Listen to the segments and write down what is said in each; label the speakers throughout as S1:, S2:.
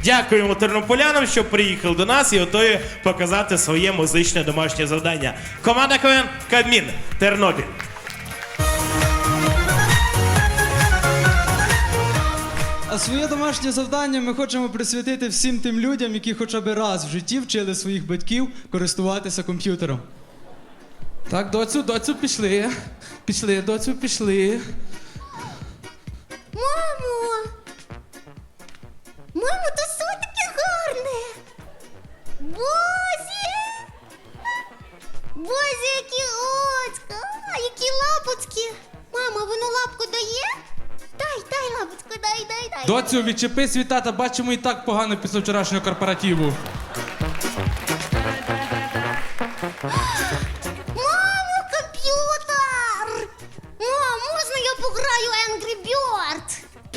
S1: Дякуємо тернополянам, що приїхали до нас і готові показати своє музичне домашнє завдання. Команда КВН «Кабмін» Тернопіль.
S2: А своє домашнє завдання ми хочемо присвятити всім тим людям, які хоча б раз в житті вчили своїх батьків користуватися комп'ютером.
S3: Так, доцю, пішли. Пішли, доцю, пішли.
S4: Мамо! Мамо, то що таке гарне? Бозі! Бозі, які очка! А, які лапочки! Мама, воно лапку дає? Дай лапочку, дай.
S3: Доцю, відчепись від тата, бачимо і так погано після вчорашнього корпоративу.
S4: Мамо, комп'ютер! Мам, можна я пограю Angry Bird?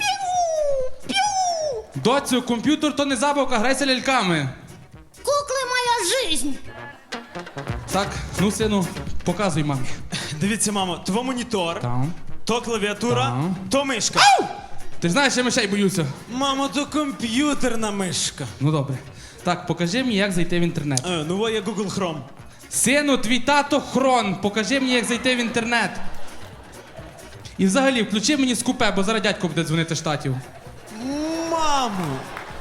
S4: Піу!
S3: Доцю, комп'ютер то не забавка, грайся ляльками.
S4: Кукли моя жизнь!
S3: Так, ну, сину, показуй мамі.
S2: Дивіться, мамо, то монітор,
S3: Там.
S2: то клавіатура, то мишка.
S3: Ти знаєш, я мишей боюся.
S2: Мамо, то комп'ютерна мишка.
S3: Ну добре. Так, покажи мені, як зайти в інтернет.
S2: Ну, є Google Chrome.
S3: Сину, твій тато Хрон, покажи мені, як зайти в інтернет. І взагалі, включи мені скупе, бо зараз дядько буде дзвонити з Штатів.
S2: Мамо!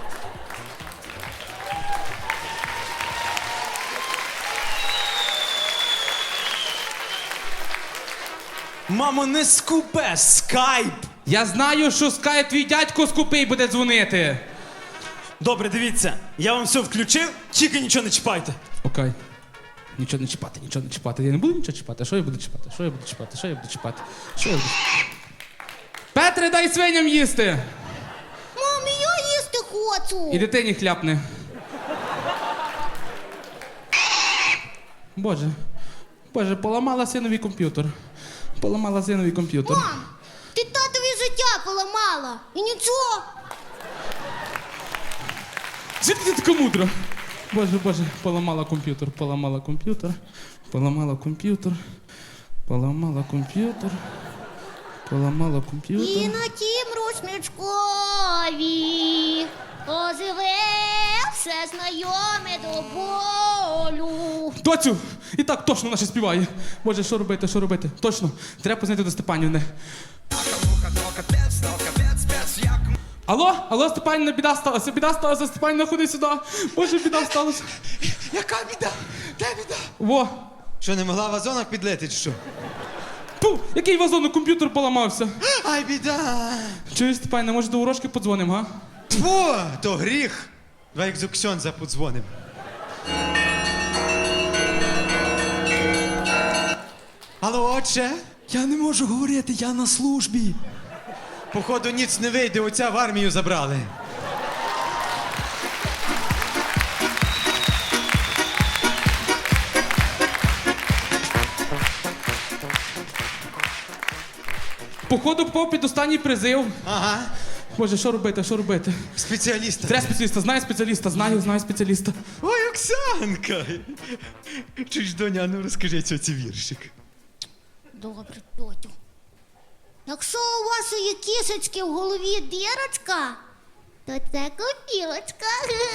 S2: Мамо, не скупе, скайп!
S3: Я знаю, що скає твій дядько скупий буде дзвонити.
S2: Добре, дивіться, я вам все включив, тільки нічого не чіпайте.
S3: Окей. Нічого не чіпати. Я не буду нічого чіпати. Що я буду чіпати? Петре, дай свиням їсти!
S4: Мамі, я їсти хочу!
S3: І дитині хляпне. Боже, поламала синові комп'ютер.
S4: Мам, ти татові життя поламала. І нічого.
S3: Звідки ти така мудра? Боже, поламала комп'ютер.
S4: І на тім рушничкові оживе все знайоме до болю.
S3: Доцю! І так точно вона ще співає. Боже, що робити? Точно, треба познати до Степанівни. Алло, Степанівна, біда сталася, Степанівна, ходи сюди. Боже, біда сталася.
S5: Яка біда? Де біда?
S3: Во.
S5: Що, не могла в вазонах підлити, чи що?
S3: Пу, який вазон, комп'ютер поламався.
S5: Ай, біда!
S3: Чуєш, Степанівна, може до ворожки подзвонимо, га?
S5: Тьфу, то гріх! Давай як Зуксьонза подзвоним. Алло, отче?
S2: Я не можу говорити, я на службі.
S5: Походу, ніц не вийде, оця в армію забрали.
S3: Походу попав під останній призив.
S5: Ага,
S3: Боже, що робити?
S5: спеціаліста.
S3: Треба спеціаліста, знаю спеціаліста.
S5: Ой, Оксанка! Чуєш, доня, ну розкажи цьоці віршик.
S4: Добре, тьотю. Якщо у вашої кішечки в голові дірочка, то це копілочка.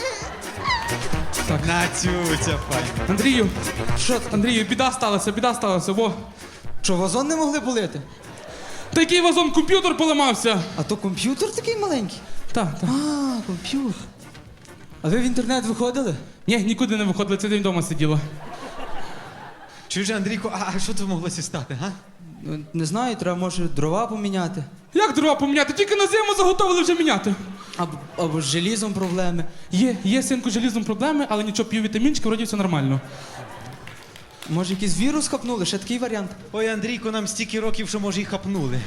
S5: На цюця, пані.
S3: Андрію, біда сталася, во.
S2: Що, вазон не могли полити?
S3: Та який вазон, комп'ютер поламався.
S2: А то комп'ютер такий маленький?
S3: Так.
S2: А, комп'ютер. А ви в інтернет виходили?
S3: Ні, нікуди не виходили, цей день вдома сиділа.
S5: Чуєш, Андрійко, а що тут моглося стати, га?
S2: Ну, не знаю, треба, може, дрова поміняти.
S3: Як дрова поміняти? Тільки на зиму заготовили вже міняти.
S2: Або з желізом проблеми.
S3: Є, синку, з желізом проблеми, але нічого, п'ю вітамінчики, вроді все нормально.
S2: Може, якийсь вірус хапнули? Ще такий варіант.
S5: Ой, Андрійко, нам стільки років, що, може, і хапнули.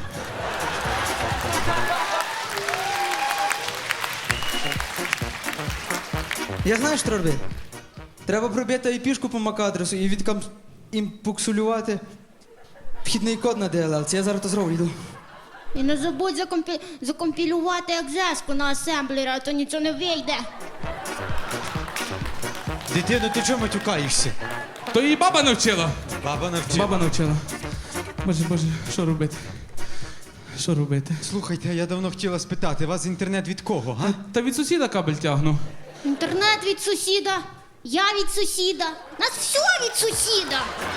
S2: Я знаю, що робити. Треба пробити IP-шку по MAC-адресу і імпуксулювати вхідний код на DLL. Це я зараз то зроблю, йду.
S4: І не забудь закомпілювати екзеску на асемблері, а то нічого не вийде.
S5: Дитино, ти чого матюкаєшся?
S3: То її баба навчила.
S5: Баба навчила.
S3: Баба навчила. Боже, що робити? Що робити?
S5: Слухайте, я давно хотіла спитати, вас інтернет від кого, га?
S3: Та від сусіда кабель тягну.
S4: Інтернет від сусіда, я від сусіда. Нас все від сусіда.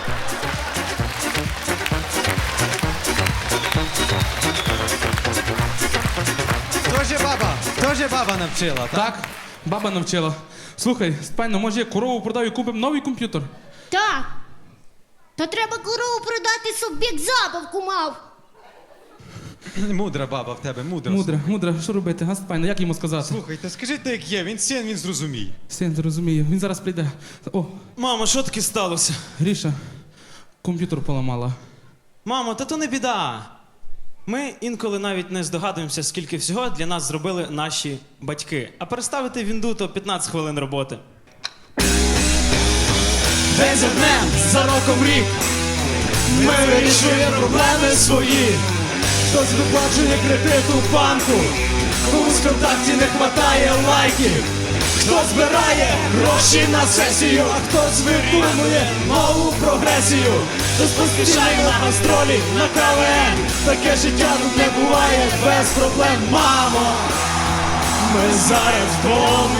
S5: Тоже баба навчила, так?
S3: Так, баба навчила. Слухай, Степано, може я корову продаю і купимо новий комп'ютер?
S4: Так. Та треба корову продати, щоб бік забавку мав.
S5: Мудра баба в тебе, мудра.
S3: Мудра, що робити, га, Степано, як йому сказати?
S5: Слухайте, скажіть так, як є, він син, він зрозуміє.
S3: Син, зрозумію, він зараз прийде. О,
S6: Мамо, що таке сталося?
S3: Гріша, комп'ютер поламала.
S6: Мамо, та то не біда. Ми інколи навіть не здогадуємося, скільки всього для нас зробили наші батьки. А переставити вінду то 15 хвилин роботи.
S7: День за днем, за роком рік ми вирішуємо проблеми свої. Хтось виплачує кредит у банку, комусь в контакті не хватає лайків, хто збирає гроші на сесію, а хтось видумує нову прогресію, хтось поспішає на гастролі, на КВН. Таке життя тут не буває без проблем, мамо. Ми зараз вдома,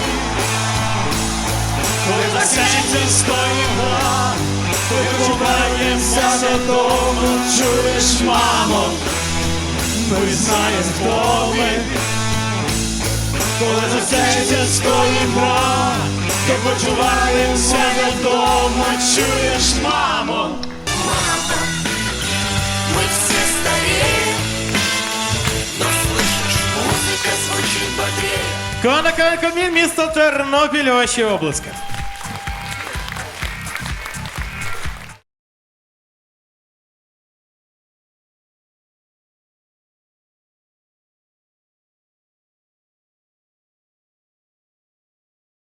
S7: коли закінчиться стоїмо, повернемося додому, чуєш, мамо. Ми знаємо, хто ми, коли закінчиться стоїмо, то почуваємося додому, чуєш, мамо.
S8: Мы все стареем, но слышишь, музыка звучит бодрее.
S1: Команда КВН Кабмін, місто Тернопіль, ваші обласки.